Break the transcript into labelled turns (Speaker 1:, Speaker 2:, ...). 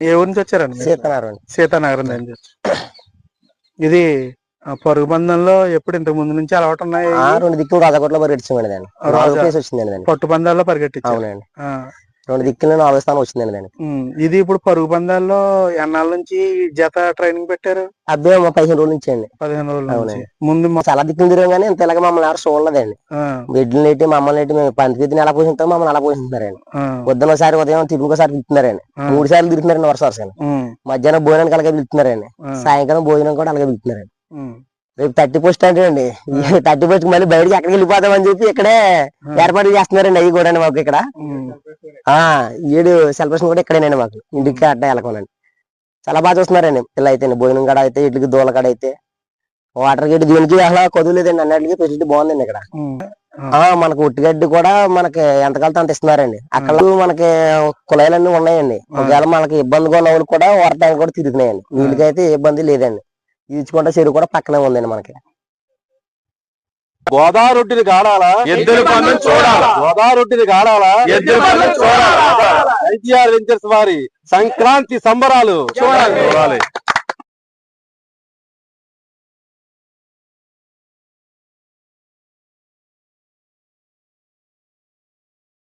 Speaker 1: ఏ ఊరి నుంచి వచ్చారండి?
Speaker 2: సీతనగరం.
Speaker 1: సీతానగరం నుంచి. ఇది పరుగు పందెంలో ఎప్పుడు ఇంతకు ముందు నుంచి అలవాటు ఉన్నాయి?
Speaker 2: 2 దిక్కులు రాజకోటలో పరిగెట్టించండి దాన్ని. 4వ ప్లేస్ వచ్చిందండి దాన్ని.
Speaker 1: పట్టు పందాల్లో పరిగెట్టించారు.
Speaker 2: అవునండి. 2 దిక్కులు 4వ స్థానం వచ్చిందండి దానికి.
Speaker 1: ఇది ఇప్పుడు పరుగు పందాల్లో ఎన్నాళ్ళ నుంచి జత ట్రైనింగ్ పెట్టారు?
Speaker 2: అబ్బే 15 రోజుల నుంచి అండి.
Speaker 1: 15 రోజుల నుంచి.
Speaker 2: అవునండి.
Speaker 1: ముందు
Speaker 2: చాలా దిక్కులు తిరిగాం కానీ ఇంత ఇలాగ మమ్మల్ని ఎవరు చూడలేదండి. బిడ్డలు నెట్టి మమ్మల్ని నెట్టి మేము పంతిని ఎలా పోషిస్తాం మమ్మల్ని అలా పోషిస్తున్నారండి. పొద్దున ఒకసారి ఉదయం తిరుగుకోసారి పిలుతున్నారండి. 3 సార్లు తిరుగుతున్నారండి వరుస. మధ్యాహ్నం భోజనానికి అలాగే పిలుతున్నారండి. సాయంకాలం భోజనం కూడా అలాగే పిలుతున్నారండి. రేపు 30 పోస్ట్ అంటే అండి 30 పోస్ట్ మళ్ళీ బయటకి ఎక్కడికి వెళ్ళిపోతామని చెప్పి ఇక్కడే ఏర్పాట్లు చేస్తున్నారండి. అవి కూడా మాకు ఇక్కడ 7 సెలబ్రేషన్ కూడా ఇక్కడేనండి మాకు. ఇంటికి అడ్డ వెళ్ళకోనండి. చాలా బాగా చూస్తున్నారండి పిల్ల అయితే. భోజనం కాడ అయితే ఇట్లకి దూల కాడ అయితే వాటర్ గడ్డి దీనికి అసలు కొదువులేదండి. అన్నిటికీ ఫెసిలిటీ బాగుందండి ఇక్కడ. మనకు ఉట్టిగడ్డి కూడా మనకి ఎంతకాలతో అంత ఇస్తున్నారండి. అక్కడ మనకి కుళాయిలన్నీ ఉన్నాయండి. ఒకవేళ మనకి ఇబ్బందిగా ఉన్న వాళ్ళు కూడా వాటర్ ట్యాంక్ కూడా తిరుగుతున్నాయండి. నీళ్ళకైతే ఏ ఇబ్బంది లేదండి. ఈచుకుంట చెరువు కూడా పక్కనే ఉందండి మనకి.
Speaker 3: గోదావరొట్టిని కాడాలా, ఎద్దుల పందెం చూడాలా, గోదావరొట్టిని కాడాలా, ఎద్దుల పందెం చూడాలా. IGR వెంచర్స్ వారి సంక్రాంతి సంబరాలు చూడాలి.